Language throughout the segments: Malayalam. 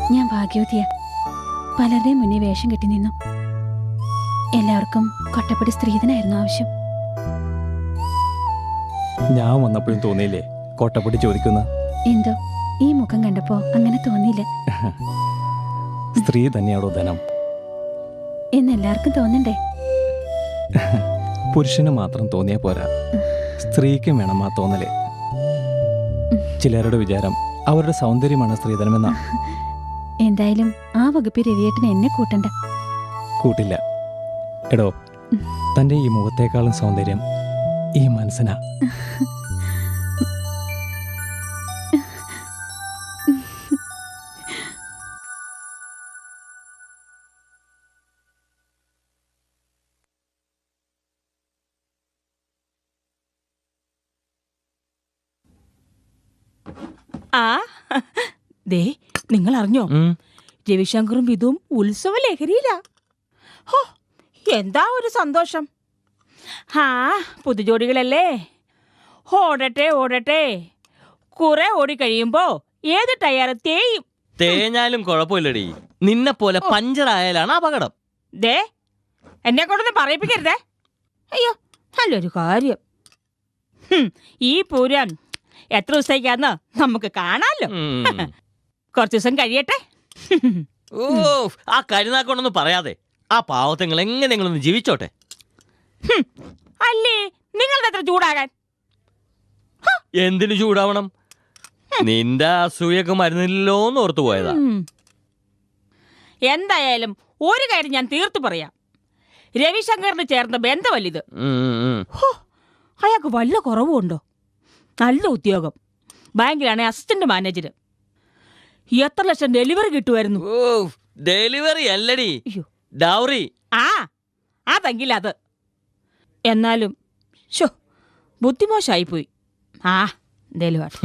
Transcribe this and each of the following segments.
ഞാൻ ഭാഗ്യവതിയ. പലരുടെയും മുന്നേ വേഷം കെട്ടി നിന്നു. എല്ലാവർക്കും കൊട്ടപ്പടി സ്ത്രീധനായിരുന്നു ആവശ്യം. ഞാൻ വന്നപ്പോഴും തോന്നിയില്ലേ കൊട്ടപ്പടി ചോദിക്കുന്ന? എന്തോ ഈ മുഖം കണ്ടപ്പോ അങ്ങനെ തോന്നിയില്ല. സ്ത്രീ തന്നെയാണോ ധനം എന്നെല്ലാവർക്കും തോന്നണ്ടേ? പുരുഷന് മാത്രം തോന്നിയാ പോരാ, സ്ത്രീക്കും വേണം ആ തോന്നല്. ചിലരുടെ വിചാരം അവരുടെ സൗന്ദര്യമാണ് സ്ത്രീധനമെന്ന. എന്തായാലും ആ വകുപ്പിൽ രവിയേട്ടന് എന്നെ കൂട്ടണ്ട. കൂട്ടില്ല. എടോ, തൻ്റെ ഈ മുഖത്തേക്കാളും സൗന്ദര്യം ഈ മനസ്സിനാ. ആ ദേ, നിങ്ങൾ അറിഞ്ഞോ? രവിശങ്കറും വിധുവും ഉത്സവ ലഹരിയില്ല. ഹോ, എന്താ ഒരു സന്തോഷം. ആ പുതുജോടികളല്ലേ, ഓടട്ടെ ഓടട്ടെ. കുറെ ഓടിക്കഴിയുമ്പോ ഏത് ടയർ തേയും. തേഞ്ഞാലും കുഴപ്പമില്ലടി, നിന്നെ പോലെ പഞ്ചറായാലാണ് അപകടം. ദേ, എന്നെ കൊണ്ടൊന്നും പറയിപ്പിക്കരുതേ. അയ്യോ, നല്ലൊരു കാര്യം. ഈ പൂരം എത്ര ദിവസത്തേക്കാന്ന് നമുക്ക് കാണാലോ. കുറച്ചു ദിവസം കഴിയട്ടെ. ഓ, ആ കരുനാക്കൊണ്ടൊന്നും പറയാതെ ആ പാവത്തങ്ങൾ എങ്ങനെയെങ്കിലും ജീവിച്ചോട്ടെ. അല്ലേ, നിങ്ങളുടെ എത്ര ചൂടാകാൻ? എന്തിനു ചൂടാവണം? നിന്റെ അസൂയൊക്കെ മരുന്നില്ലോന്ന് ഓർത്തു പോയതാ. എന്തായാലും ഒരു കാര്യം ഞാൻ തീർത്തു പറയാം. രവിശങ്കറിന് ചേർന്ന ബന്ധമല്ലിത്. അയാൾക്ക് വല്ല കുറവുണ്ടോ? നല്ല ഉദ്യോഗം, ബാങ്കിലാണ് അസിസ്റ്റന്റ് മാനേജർ. എത്ര ലക്ഷം ഡെലിവറി കിട്ടുമായിരുന്നു. ഓ, ഡെലിവറി അല്ലടി, ഡൗറി. ആ അതെങ്കിൽ അത്. എന്നാലും ബുദ്ധിമോശായിപ്പോയി. ആ ഡെലിവറി.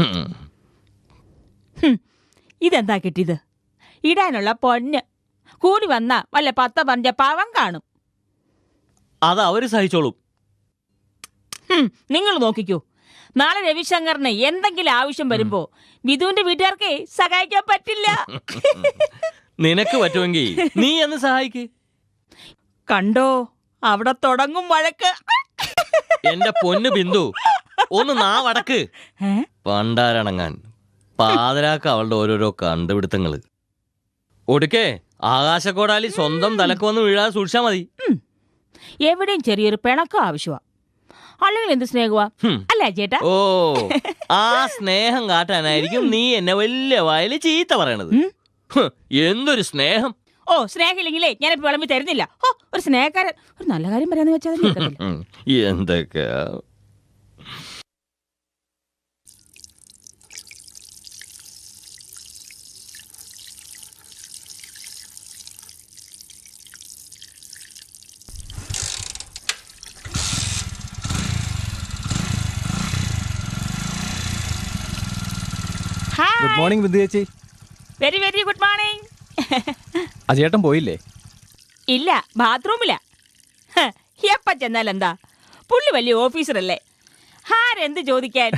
ഇതെന്താ കിട്ടിയത്? ഇടാനുള്ള പൊന്ന്. കൂടി വന്ന വല്ല 10-15 പാവം കാണും. അത് അവര് സഹിച്ചോളും. നിങ്ങൾ നോക്കിക്കോ, നാളെ രവിശങ്കറിന് എന്തെങ്കിലും ആവശ്യം വരുമ്പോ വിധുവിന്റെ വീട്ടുകാർക്ക് സഹായിക്കാൻ പറ്റില്ല. നിനക്ക് പറ്റുമെങ്കിൽ നീ എന്ന് സഹായിക്ക്. കണ്ടോ, അവിടെ തുടങ്ങും വഴക്ക്. എന്റെ പൊന്നു ബിന്ദു, ഒന്ന് നാവടക്ക്. പണ്ടാരണങ്ങാൻ പാതിരാക്ക് അവളുടെ ഓരോരോ കണ്ടുപിടുത്തങ്ങള്. ഒടുക്കേ ആകാശക്കോടാലി സ്വന്തം തലക്ക് വന്ന് വീഴാതെ സൂക്ഷിച്ചാ മതി. എവിടെയും ചെറിയൊരു പിണക്കം ആവശ്യമാ, അല്ലെങ്കിൽ എന്ത് സ്നേഹമാ അല്ലേ ചേട്ടാ? ഓ, ആ സ്നേഹം കാട്ടാനായിരിക്കും നീ എന്നെ വലിയ വായില് ചീത്ത പറയണത്. എന്തൊരു സ്നേഹം! ഓ, സ്നേഹമില്ലെങ്കിലേ ഞാനിപ്പോ വിളമ്പി തരുന്നില്ല. ഓ, ഒരു സ്നേഹക്കാരൻ. ഒരു നല്ല കാര്യം പറയാന്ന് വെച്ചാൽ എന്തൊക്കെയാ. ഗുഡ് മോർണിംഗ് ബിന്ദു ചേച്ചി. Very very good morning. അജയേട്ടൻ പോയില്ലേ? ഇല്ല, ബാത്റൂമില്ല. എപ്പ ചെന്നാലെന്താ, പുള്ളി വലിയ ഓഫീസറല്ലേ, ആരെന്ത് ചോദിക്കാൻ.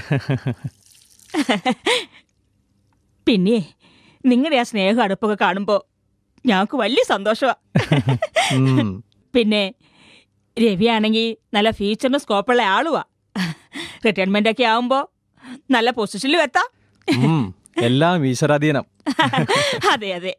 പിന്നെ നിങ്ങളുടെ ആ സ്നേഹം അടുപ്പൊക്കെ കാണുമ്പോ ഞങ്ങൾക്ക് വലിയ സന്തോഷമാ. പിന്നെ രവിയാണെങ്കിൽ നല്ല ഫ്യൂച്ചറിന് സ്കോപ്പുള്ള ആളുവാ. റിട്ടയർമെന്റ് ഒക്കെ ആവുമ്പോ നല്ല പൊസിഷനിലും എത്താം. എല്ലാം ഈശ്വരാധീനം. അതെ അതെ.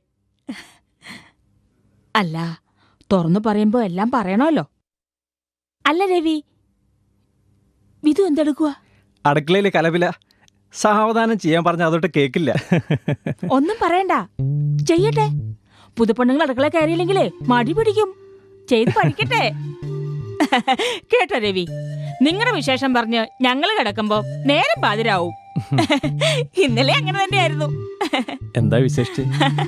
അല്ല, തുറന്നു പറയുമ്പോ എല്ലാം പറയണമല്ലോ. അല്ല രവി, വിധു എന്തെടുക്കുക? അടുക്കളയില് കലപില. സാവധാനം ചെയ്യാൻ പറഞ്ഞ അതോട്ട് കേക്കില്ല. ഒന്നും പറയണ്ട, ചെയ്യട്ടെ. പുതുപ്പെണ്ണുങ്ങൾ അടുക്കള കയറിയില്ലെങ്കിലേ മടി പിടിക്കും. ചെയ്ത് പഠിക്കട്ടെ. കേട്ടോ രവി, നിങ്ങളുടെ വിശേഷം പറഞ്ഞ് ഞങ്ങള് കിടക്കുമ്പോ നേരം പാതിരാവും. ഇന്നലെ അങ്ങനെ തന്നെയായിരുന്നു. എന്താ വിശേഷിച്ച്?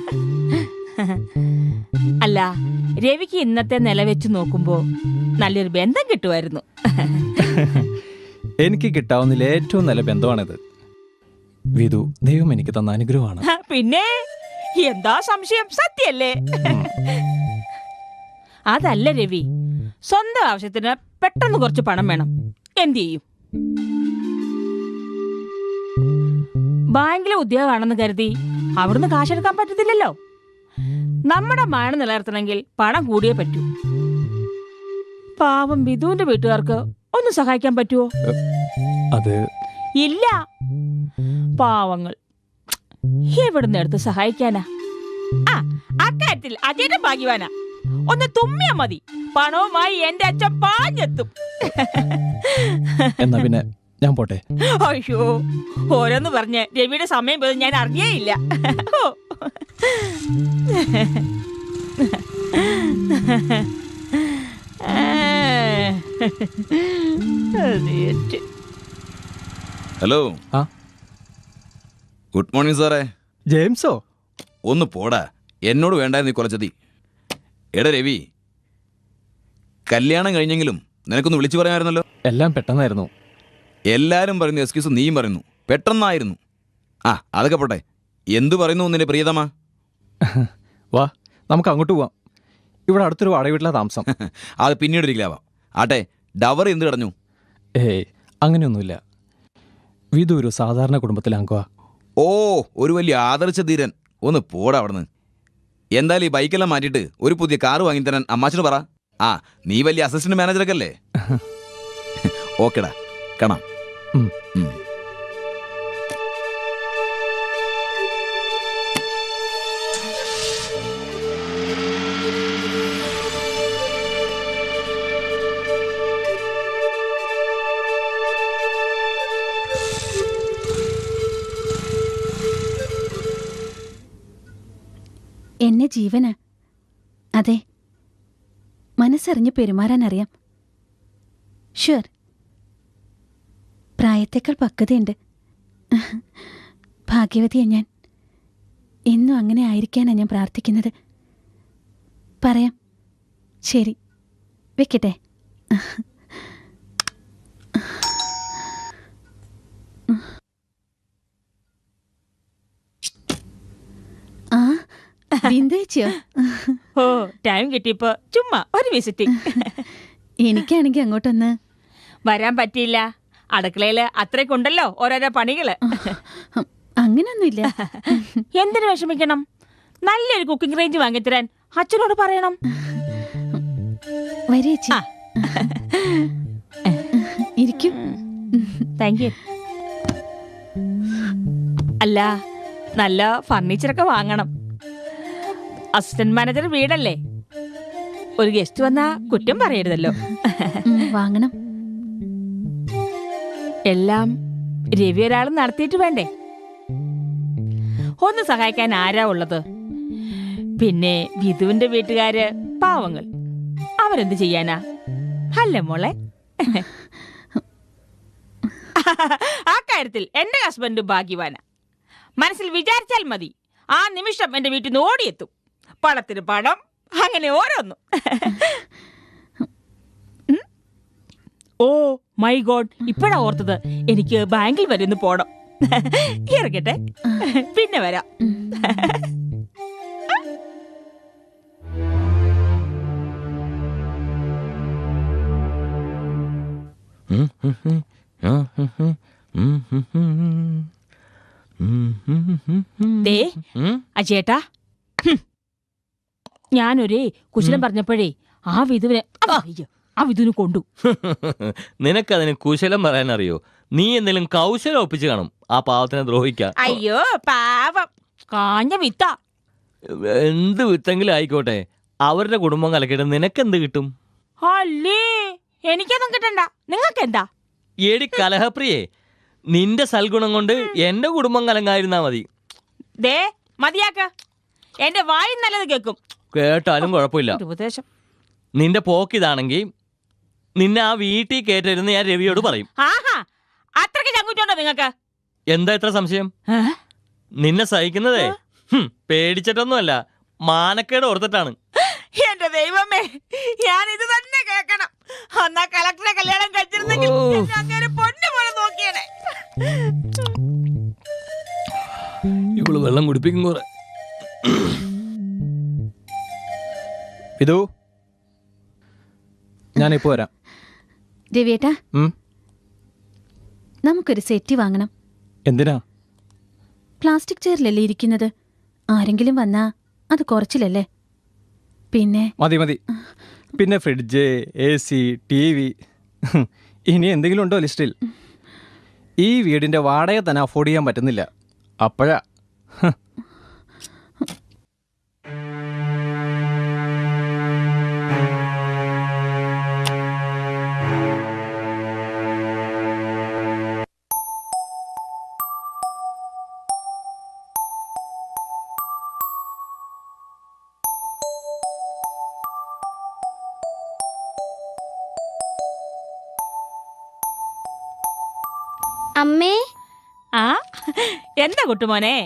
അല്ല, രവിക്ക് ഇന്നത്തെ നില വെച്ച് നോക്കുമ്പോ നല്ലൊരു ബന്ധം കിട്ടുമായിരുന്നു. എനിക്ക് കിട്ടാവുന്നതിൽ ഏറ്റവും നല്ല ബന്ധമാണിത്. വിധു ദൈവം എനിക്ക് തന്ന അനുഗ്രഹമാണ്. പിന്നെ എന്താ സംശയം, സത്യല്ലേ? അതല്ല രവി, സ്വന്തം ആവശ്യത്തിന് പെട്ടെന്ന് കുറച്ച് പണം വേണം, എന്ത് ചെയ്യും? ബാങ്കിലെ ഉദ്യോഗമാണെന്ന് കരുതി അവിടുന്ന് കാശെടുക്കാൻ പറ്റത്തില്ലല്ലോ. നമ്മുടെ മഴ നിലനിർത്തണമെങ്കിൽ പണം കൂടിയേ പറ്റൂ. പാവം വിധുവിന്റെ വീട്ടുകാർക്ക് ഒന്ന് സഹായിക്കാൻ പറ്റുമോ? അത് ഇല്ല. പാവങ്ങൾ എവിടുന്ന് എടുത്ത് സഹായിക്കാനാ? ആ, അക്കാര്യത്തിൽ അജയന്റെ ഭാഗ്യവാനാ. ഒന്ന് തുമ്മിയാ മതി, പണവുമായി എന്റെ അച്ഛൻ പാഞ്ഞെത്തും. എന്നാ പിന്നെ ഞാൻ പോട്ടെ. അയ്യോ, ഓരോന്ന് പറഞ്ഞ് രവിയുടെ സമയം പോലും ഞാൻ അറിയേയില്ല. ഹലോ. ആ ഗുഡ് മോർണിംഗ് സാറേ. ജെയിംസോ? ഒന്ന് പോടാ, എന്നോട് വേണ്ടായിരുന്നു ഈ കൊലച്ചതി. എടാ രവി, കല്യാണം കഴിഞ്ഞെങ്കിലും നിനക്കൊന്ന് വിളിച്ചു പറയാമായിരുന്നല്ലോ. എല്ലാം പെട്ടെന്നായിരുന്നു. എല്ലാരും പറയുന്നു എക്സ്ക്യൂസ്, നീയും പറയുന്നു പെട്ടെന്നായിരുന്നു. ആ അതൊക്കെ പോട്ടെ, എന്തു പറയുന്നു നിന്റെ പ്രിയതമ? വാ, നമുക്ക് അങ്ങോട്ട് പോവാം. ഇവിടെ അടുത്തൊരു വാടക വീട്ടിലാണ് താമസം. അത് പിന്നീട് ഒരിക്കലാവാം. ആട്ടെ, ഡവർ എന്ത് കടഞ്ഞു? ഏയ്, അങ്ങനെയൊന്നുമില്ല. വിധു ഒരു സാധാരണ കുടുംബത്തിലെ അംഗമാ. ഓ, ഒരു വലിയ ആദർശ ധീരൻ. ഒന്ന് പോടാ അവിടുന്ന്. എന്തായാലും ഈ ബൈക്കെല്ലാം മാറ്റിയിട്ട് ഒരു പുതിയ കാറ് വാങ്ങിത്തരാൻ അമ്മാച്ചന് പറ. ആ, നീ വലിയ അസിസ്റ്റന്റ് മാനേജറൊക്കെ അല്ലേ? ഓക്കെടാ, കാണാം. എന്നെ ജീവനാ. അതെ, മനസ്സറിഞ്ഞ് പെരുമാറാൻ അറിയാം. ഷുവർ, പ്രായത്തേക്കാൾ പക്വതയുണ്ട്. ഭാഗ്യവതിയാ ഞാൻ. എന്നും അങ്ങനെ ആയിരിക്കാനാണ് ഞാൻ പ്രാർത്ഥിക്കുന്നത്. പറയാം. ശരി, വെക്കട്ടെ. ആ, ബിന്ദുവെച്ചോ? ഓ, ടൈം കിട്ടിയപ്പോ ചുമ്മാ ഒരു വിസിറ്റിംഗ്. എനിക്കാണെങ്കിൽ അങ്ങോട്ടൊന്ന് വരാൻ പറ്റിയില്ല. അടുക്കളയില് അത്രയ്ക്കുണ്ടല്ലോ ഓരോരോ പണികള്. അങ്ങനൊന്നുമില്ല. എന്തിനു വിഷമിക്കണം? നല്ലൊരു കുക്കിംഗ് റേഞ്ച് വാങ്ങിത്തരാൻ അച്ഛനോട് പറയണം. വരേച്ചി, ഇരിക്കും. Thank you. അല്ല, നല്ല ഫർണിച്ചറൊക്കെ വാങ്ങണം. അസിസ്റ്റന്റ് മാനേജർ വീടല്ലേ, ഒരു ഗസ്റ്റ് വന്നാ കുറ്റം പറയരുതല്ലോ. വാങ്ങണം. എല്ലാം രവി ഒരാൾ നടത്തിയിട്ട് വേണ്ടേ? ഒന്ന് സഹായിക്കാൻ ആരാ ഉള്ളത്? പിന്നെ വിധുവിന്റെ വീട്ടുകാര് പാവങ്ങൾ, അവരെന്ത് ചെയ്യാനാ? അല്ലേ മോളെ? ആ കാര്യത്തിൽ എന്റെ ഹസ്ബൻഡ് ഭാഗ്യവാന. മനസ്സിൽ വിചാരിച്ചാൽ മതി, ആ നിമിഷം എന്റെ വീട്ടിൽ നിന്ന് ഓടിയെത്തും. പണത്തിന് പണം, അങ്ങനെ ഓരോന്നും. ഓ മൈ ഗോഡ്, ഇപ്പഴാ ഓർത്തത്. എനിക്ക് ബാങ്കിൽ വരെ ഒന്ന് പോണം. ഇറങ്ങട്ടെ, പിന്നെ വരാം. ദേ അജേട്ടാ, ഞാനൊരേ കുശലം പറഞ്ഞപ്പോഴേ ആ വിധുവിനെ കൊണ്ടു. നിനക്കതിന് കുശലം പറയാൻ അറിയോ? നീ എന്തെങ്കിലും കൗശലം ഒപ്പിച്ച് കാണും ആ പാവത്തിനെ ദ്രോഹിക്കാൻ. അയ്യോ പാവം, കാഞ്ഞ വിത്ത. എന്ത് വിത്തെങ്കിലും ആയിക്കോട്ടെ, അവരുടെ കുടുംബം കലക്കിയിട്ട് നിനക്കെന്ത് കിട്ടും? അല്ലേ, എനിക്കൊന്നും കിട്ടണ്ട. നിങ്ങൾക്ക് എന്താ? എടി കലഹപ്രിയേ, നിന്റെ സൽഗുണം കൊണ്ട് എന്റെ കുടുംബം കലങ്ങായിരുന്നാ മതി. ദേ മതിയാക്ക, എന്റെ വായി നല്ലത് കേൾക്കും. കേട്ടാലും കുഴപ്പമില്ല. ഉപദേശം. നിന്റെ പോക്കിതാണെങ്കിൽ നിന്നെ ആ വീട്ടിൽ കേട്ടിരുന്ന് ഞാൻ രവിയോട് പറയും. ആഹാ, അത്രയ്ക്ക് ചങ്കുറ്റുണ്ടോ നിങ്ങൾക്ക്? എന്താ ഇത്ര സംശയം? നിന്നെ സഹിക്കുന്നതേ പേടിച്ചിട്ടൊന്നുമല്ല, മാനക്കേട് ഓർത്തിട്ടാണ്. എന്റെ ദൈവമേ, ഞാൻ ഇത് തന്നെ കേൾക്കണം. അന്നാ കളക്ടറെ കല്യാണം കഴിച്ചിരുന്നെങ്കിൽ അങ്ങനെ പൊന്നു പോലെ നോക്കിയേനെ. ഇവള് വെള്ളം കുടിപ്പിക്കും കുറെ. വിധു, ഞാനിപ്പോ വരാം. രവിയേട്ടാ, നമുക്കൊരു സെറ്റ് വാങ്ങണം. എന്തിനാ? പ്ലാസ്റ്റിക് ചെയറിലല്ലേ ഇരിക്കുന്നത്? ആരെങ്കിലും വന്നാ അത് കുറച്ചില്ലല്ലേ? പിന്നെ മതി മതി. പിന്നെ ഫ്രിഡ്ജ്, AC, TV, ഇനി എന്തെങ്കിലും ഉണ്ടോ ലിസ്റ്റിൽ? ഈ വീടിൻ്റെ വാടക തന്നെ അഫോർഡ് ചെയ്യാൻ പറ്റുന്നില്ല. അപ്പോഴാ അമ്മേ, ആ എന്താ കുട്ടുമോനെ?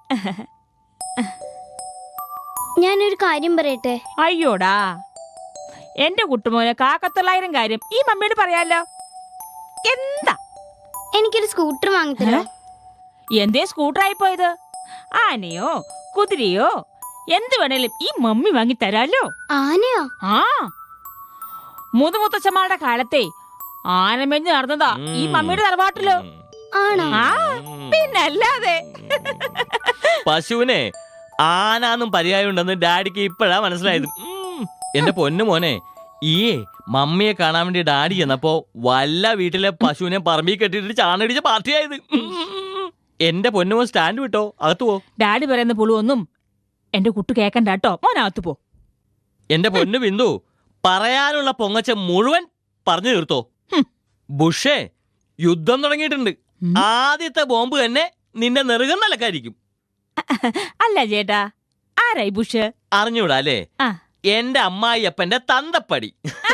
ഞാനൊരു കാര്യം പറയട്ടെ? അയ്യോടാ, എന്റെ കുട്ടുമോനെ, 1,000 കാര്യം ഈ മമ്മിയോട് പറയാലോ. എന്താ? എനിക്കൊരു സ്കൂട്ടർ വാങ്ങിത്തരോ? എന്തേ സ്കൂട്ടറായി പോയത്? ആനയോ കുതിരയോ എന്ത് വേണേലും ഈ മമ്മി വാങ്ങി തരാലോ. ആനയോ? ആ, മുതുമുത്തച്ഛന്മാരുടെ കാലത്തെ ആനമെഞ്ഞ് നടന്നതാ ഈ മമ്മിയുടെ തറവാട്ടിലോ. ആണോ? ആ, പിന്നല്ലാതെ. പശുവിനെ ആനാന്നും പര്യായമുണ്ടെന്ന് ഡാഡിക്ക് ഇപ്പോഴാ മനസ്സിലായത്. എന്റെ പൊന്നു മോനെ, ഈ മമ്മിയെ കാണാൻ വേണ്ടി ഡാഡി ചെന്നപ്പോ വല്ല വീട്ടിലെ പശുവിനെ പറമ്പിൽ കെട്ടിട്ട് ചാണടിച്ച പാർട്ടിയായത്. എന്റെ പൊന്നുമോൻ സ്റ്റാൻഡ് വിട്ടോ, അകത്ത് പോ. ഡാഡി പറയുന്ന പുളുവൊന്നും എന്റെ കുട്ടു കേക്കണ്ട കേട്ടോ. മോനകത്ത് പോ. എന്റെ പൊന്നു ബിന്ദു, പറയാനുള്ള പൊങ്ങച്ച മുഴുവൻ പറഞ്ഞു തീർത്തോ. ബുഷേ, യുദ്ധം തുടങ്ങിയിട്ടുണ്ട്. ആദ്യത്തെ ബോംബ് തന്നെ നിന്റെ നെറുകം നിലക്കായിരിക്കും. അല്ല ചേട്ടാ, ആരായി ബുഷ്? അറിഞ്ഞൂടാ അല്ലേ? ആ. എന്റെ അമ്മായിയപ്പന്റെ തന്തപ്പടി.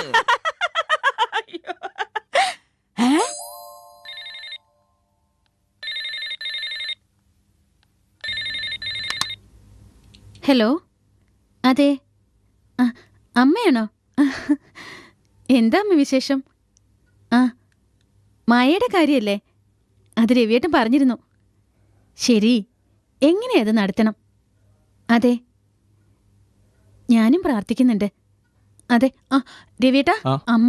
ഹലോ, അതെ, അമ്മയാണോ? എന്താ അമ്മ വിശേഷം? ആ, മായയുടെ കാര്യമല്ലേ? അത് രവിയേട്ടൻ പറഞ്ഞിരുന്നു. ശരി, എങ്ങനെയത് നടത്തണം? അതെ, ഞാനും പ്രാർത്ഥിക്കുന്നുണ്ട്. അതെ. ആ രവിയേട്ടാ, ആ. അമ്മ.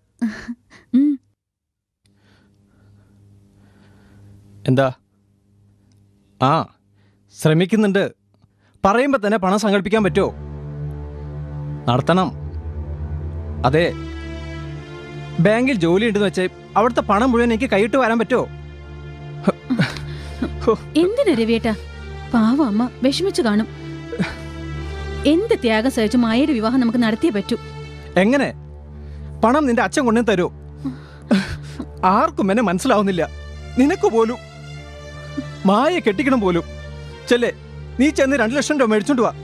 എന്താ? ആ, ശ്രമിക്കുന്നുണ്ട്. പറയുമ്പോൾ തന്നെ പണം സങ്കല്പിക്കാൻ പറ്റുമോ? നടത്തണം. അതെ, ബാങ്കിൽ ജോലി ഉണ്ടെന്ന് വെച്ച് അവിടുത്തെ പണം മുഴുവൻ എനിക്ക് കൈയിട്ട് വരാൻ പറ്റുമോ? എന്തിനാ രവിയേട്ടാ? പാവം അമ്മ വിഷമിച്ചു കാണും. എന്ത് ത്യാഗം സഹിച്ചു മായയുടെ വിവാഹം നമുക്ക് നടത്തിയേ പറ്റൂ. എങ്ങനെ? പണം നിന്റെ അച്ഛൻ കൊണ്ടു തരൂ. ആർക്കും എന്നെ മനസ്സിലാവുന്നില്ല, നിനക്ക് പോലും. മായ കെട്ടിക്കണം പോലും. ചെല്ലേ, നീ ചെന്ന് 2 ലക്ഷം രൂപ മേടിച്ചോണ്ട് വാ.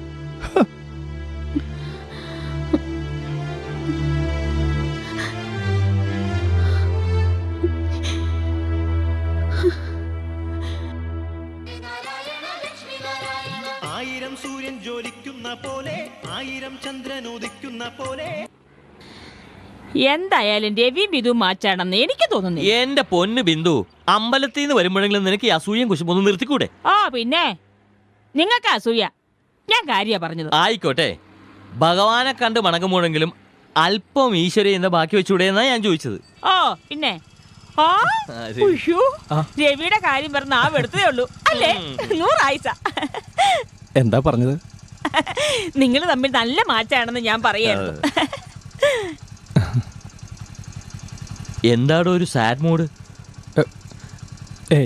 ആയിരം സൂര്യൻ ജ്വലിക്കുന്ന പോലെ, 1000 ചന്ദ്രൻ ഉദിക്കുന്ന പോലെ. എന്തായാലും രവിയും ബിന്ദുവും മാച്ചാണെന്ന് എനിക്ക് തോന്നുന്നില്ല. എന്റെ പൊന്നു ബിന്ദു, അമ്പലത്തിൽ നിന്ന് വരുമ്പോഴെങ്കിലും നിനക്ക് ഈ അസൂയം കുശുമൊന്നും നിർത്തിക്കൂടെ? ആ, പിന്നെ നിങ്ങൾക്ക് അസൂയ. ഞാൻ കാര്യ പറഞ്ഞത്. ആയിക്കോട്ടെ, ഭഗവാനെ കണ്ട് മണങ്ങുമ്പോഴെങ്കിലും അല്പം ഈശ്വര എന്ന ബാക്കി വെച്ചൂടെ എന്നാ ഞാൻ ചോദിച്ചത്. ഓ, പിന്നെ ആ, ഉയ്യോ, രവിയുടെ കാര്യം പറഞ്ഞ ആ വെടുത്തതേ ഉള്ളൂ അല്ലേ? 100 ആയിസ. എന്താ പറഞ്ഞത്? നിങ്ങൾ തമ്മിൽ നല്ല മാച്ചാണെന്ന് ഞാൻ പറയായിരുന്നു. എന്താടോ ഒരു സാഡ് മൂഡ്? ഏയ്,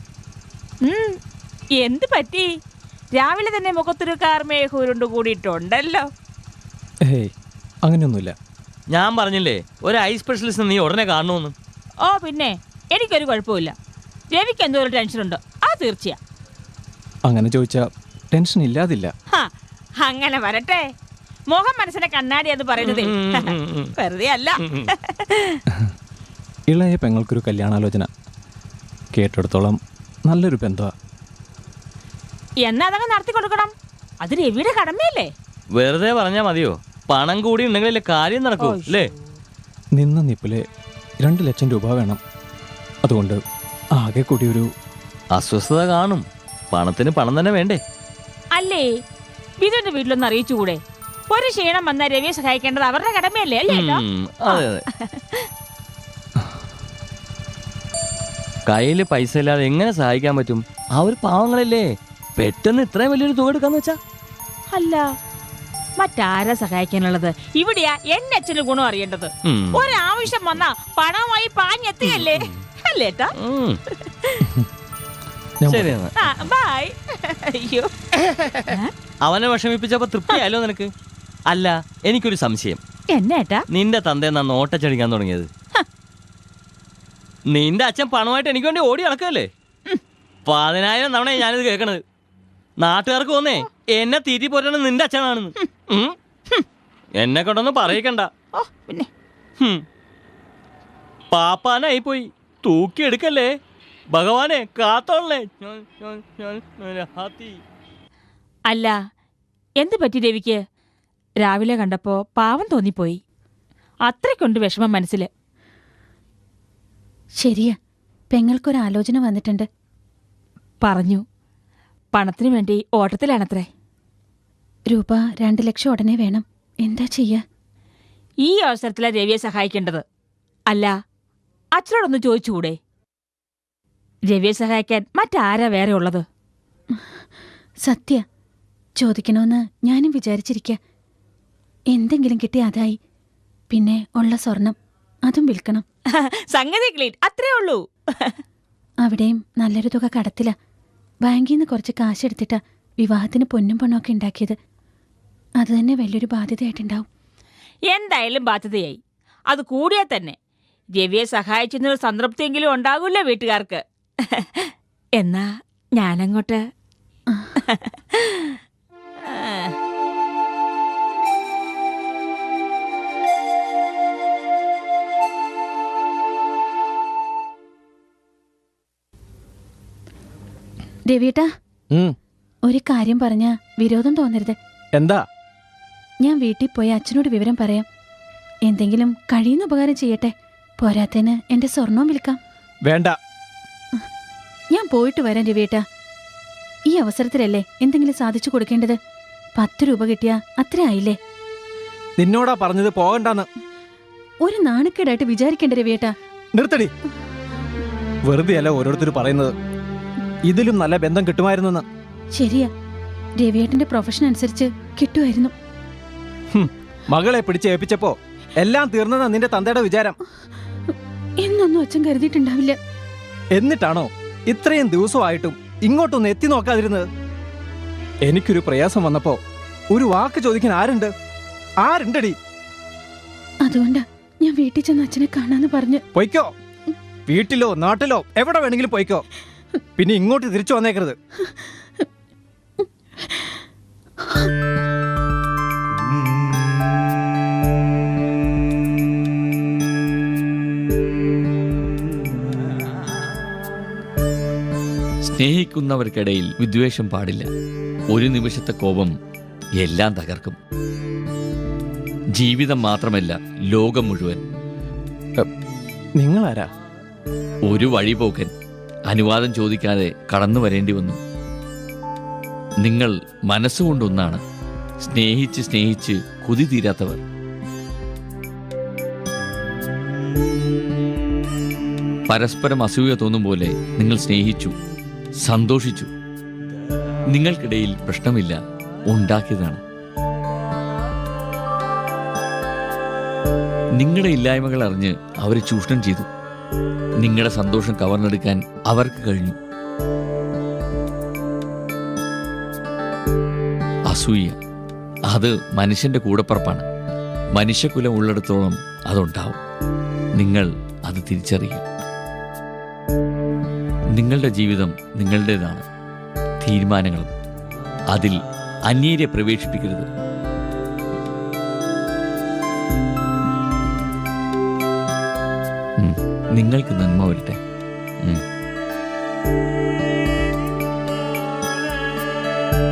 എന്ത് പറ്റി? രാവിലെ തന്നെ മുഖത്തൊരു കാർമേഘൂരുണ്ട് കൂടിയിട്ടുണ്ടല്ലോ. ഏയ്, അങ്ങനെയൊന്നുമില്ല. ഞാൻ പറഞ്ഞില്ലേ, ഒരു ഐ സ്പെഷ്യലിസ്റ്റ് നീ ഉടനെ കാണണമെന്ന്. ഓ, പിന്നെ എനിക്കൊരു കുഴപ്പമില്ല. രവിക്ക് എന്തോ ഒരു ടെൻഷനുണ്ടോ? ആ, തീർച്ചയാ. അങ്ങനെ ചോദിച്ചാ ടെൻഷൻ ഇല്ലാതില്ല. അങ്ങനെ വരട്ടെ. മുഖം മനസ്സിനെ കണ്ണാടി എന്ന് പറയുന്നത് വെറുതെ അല്ല. ഇളയ പെങ്ങൾക്കൊരു കല്യാണാലോചന. കേട്ടിടത്തോളം നല്ലൊരു ബന്ധമാ. എന്നാ അതങ്ങ് നടത്തി കൊടുക്കണം. അത് രവിയുടെ കടമയല്ലേ? വെറുതെ പറഞ്ഞാ മതിയോ? പണം കൂടി ഉണ്ടെങ്കിലല്ലേ കാര്യം നടക്കൂ അല്ലേ? നിന്ന നിപ്പിലെ 2 ലക്ഷം രൂപ വേണം. അതുകൊണ്ട് ആകെ കൂടി ഒരു അസ്വസ്ഥത കാണും. പണത്തിന് പണം തന്നെ വേണ്ടേ? അല്ലേ, ബിന്ദുവിന്റെ വീട്ടിലൊന്ന് അറിയിച്ചുകൂടെ? ഒരു ക്ഷീണം വന്നാൽ രവിയെ സഹായിക്കേണ്ടത് അവരുടെ കടമയല്ലേ? അല്ലേ? അതെ അതെ. കയ്യില് പൈസ ഇല്ലാതെ എങ്ങനെ സഹായിക്കാൻ പറ്റും? ആ ഒരു പാവങ്ങളല്ലേ. പെട്ടെന്ന് ഇത്രയും വലിയൊരു തുക എടുക്കാന്ന് വെച്ചാ അല്ല മറ്റാരാ സഹായിക്കാനുള്ളത്? ഇവിടെയാ എന്റെ അച്ഛന് ഗുണം അറിയേണ്ടത്. ഒരാവശ്യം വന്നാ പണമായി പാഞ്ഞെത്തിയല്ലേ അല്ലേട്ടാ? ശരി, ബൈ. അയ്യോ, അവനെ വിഷമിപ്പിച്ചപ്പോ തൃപ്തിയായല്ലോ നിനക്ക്? അല്ല, എനിക്കൊരു സംശയം. എന്നേട്ടാ? നിന്റെ തന്തേ നന്ന് ഓട്ടച്ചടിക്കാൻ തുടങ്ങിയത്? നിന്റെ അച്ഛൻ പണമായിട്ട് എനിക്ക് വേണ്ടി ഓടി നടക്കല്ലേ? 10,000 തവണ ഞാനിത് കേൾക്കണത്. നാട്ടുകാർക്ക് തോന്നേ എന്നെ തീറ്റി പോറ്റാണ് നിന്റെ അച്ഛനാണെന്ന്. എന്നെ കൊണ്ടൊന്നും പറയിക്കണ്ട. പിന്നെ പാപ്പാനായി പോയി. തൂക്കിയെടുക്കല്ലേ ഭഗവാനെ, കാത്തോളേ. അല്ല, എന്ത് പറ്റി രവിക്ക്? രാവിലെ കണ്ടപ്പോ പാവം തോന്നിപ്പോയി. അത്രയ്ക്കുണ്ട് വിഷമം മനസ്സില്. ശരിയാ, പെങ്ങൾക്കൊരാലോചന വന്നിട്ടുണ്ട്. പറഞ്ഞു, പണത്തിനു വേണ്ടി ഓട്ടത്തിലാണത്രേ. രൂപ 2 ലക്ഷം ഉടനെ വേണം. എന്താ ചെയ്യാ? ഈ അവസരത്തിലാ രവിയെ സഹായിക്കേണ്ടത്. അല്ല, അച്ഛനോടൊന്ന് ചോദിച്ചുകൂടെ? രവിയെ സഹായിക്കാൻ മറ്റാരാ വേറെ ഉള്ളത്? സത്യ ചോദിക്കണമെന്ന് ഞാനും വിചാരിച്ചിരിക്ക. എന്തെങ്കിലും കിട്ടിയ അതായി. പിന്നെ ഉള്ള സ്വർണം അതും വിൽക്കണം. സംഗതി ക്ലീൻ, അത്രേ ഉള്ളൂ. അവിടെയും നല്ലൊരു തുക കടത്തില. ബാങ്കിൽ നിന്ന് കുറച്ച് കാശെടുത്തിട്ടാ വിവാഹത്തിന് പൊന്നും പണമൊക്കെ ഉണ്ടാക്കിയത്. അത് തന്നെ വലിയൊരു ബാധ്യതയായിട്ടുണ്ടാവും. എന്തായാലും ബാധ്യതയായി. അത് കൂടിയാ തന്നെ രവിയെ സഹായിച്ചെന്നൊരു സംതൃപ്തിയെങ്കിലും ഉണ്ടാകൂല്ലോ വീട്ടുകാർക്ക്. എന്നാ ഞാനങ്ങോട്ട്. രവിയേട്ടാ, ഒരു കാര്യം പറഞ്ഞ വിരോധം തോന്നരുത്. എന്താ? ഞാൻ വീട്ടിൽ പോയി അച്ഛനോട് വിവരം പറയാം. എന്തെങ്കിലും കഴിയുന്ന ഉപകാരം ചെയ്യട്ടെ. പോരാത്തതിന് എന്റെ സ്വർണവും വിൽക്കാം. വേണ്ട. ഞാൻ പോയിട്ട് വരാം രവിയേട്ടാ. ഈ അവസരത്തിലല്ലേ എന്തെങ്കിലും സാധിച്ചു കൊടുക്കേണ്ടത്. 10 രൂപ കിട്ടിയാ അത്ര ആയില്ലേ? നിന്നോടാ പറഞ്ഞത് പോകണ്ടെന്ന്. ഒരു നാണക്കേടായിട്ട് വിചാരിക്കേണ്ട രവിയേട്ടാ. നിർത്തടി. വെറുതെ അല്ല ഓരോരുത്തർ പറയുന്നത്. ഇതിലും നല്ല ബന്ധം കിട്ടുമായിരുന്നു. ശരിയാ, രവിയേട്ടന്റെ പ്രൊഫഷൻ അനുസരിച്ച് കിട്ടുമായിരുന്നു. മകളെ പിടിച്ച് ഏൽപ്പിച്ചപ്പോ എല്ലാം തീർന്നതാ നിന്റെ തന്തയുടെ വിചാരം. എന്നൊന്നും അച്ഛൻ കരുതിയിട്ടുണ്ടാവില്ല. എന്നിട്ടാണോ ഇത്രയും ദിവസമായിട്ടും ഇങ്ങോട്ടൊന്ന് എത്തി നോക്കാതിരുന്നത്? എനിക്കൊരു പ്രയാസം വന്നപ്പോ ഒരു വാക്ക് ചോദിക്കാൻ ആരുണ്ടടി? അതുകൊണ്ടാ ഞാൻ വീട്ടിൽ ചെന്ന് അച്ഛനെ കാണാന്ന് പറഞ്ഞ്. പൊയ്ക്കോ, വീട്ടിലോ നാട്ടിലോ എവിടെ വേണമെങ്കിലും പൊയ്ക്കോ. പിന്നെ ഇങ്ങോട്ട് തിരിച്ചു വന്നേക്കരുത്. സ്നേഹിക്കുന്നവർക്കിടയിൽ വിദ്വേഷം പാടില്ല. ഒരു നിമിഷത്തെ കോപം എല്ലാം തകർക്കും. ജീവിതം മാത്രമല്ല, ലോകം മുഴുവൻ. നിങ്ങളാരാ? ഒരു വഴിപോക്കൻ അനുവാദം ചോദിക്കാതെ കടന്നു വരേണ്ടി വന്നു. നിങ്ങൾ മനസ്സുകൊണ്ടൊന്നാണ്. സ്നേഹിച്ച് സ്നേഹിച്ച് കൊതി തീരാത്തവർ. പരസ്പരം അസൂയ തോന്നും പോലെ നിങ്ങൾ സ്നേഹിച്ചു, സന്തോഷിച്ചു. നിങ്ങൾക്കിടയിൽ പ്രശ്നമില്ല, ഉണ്ടാക്കിയതാണ്. നിങ്ങളുടെ ഇല്ലായ്മകൾ അറിഞ്ഞ് അവരെ ചൂഷണം ചെയ്തു. നിങ്ങളുടെ സന്തോഷം കവർന്നെടുക്കാൻ അവർക്ക് കഴിഞ്ഞു. അസൂയ അത് മനുഷ്യന്റെ കൂടപ്പറപ്പാണ്. മനുഷ്യകുലം ഉള്ളിടത്തോളം അതുണ്ടാവും. നിങ്ങൾ അത് തിരിച്ചറിയുക. നിങ്ങളുടെ ജീവിതം നിങ്ങളുടേതാണ്. തീരുമാനങ്ങളും. അതിൽ അന്യരെ പ്രവേശിപ്പിക്കരുത്. നിങ്ങൾക്ക് നന്മ വരട്ടെ.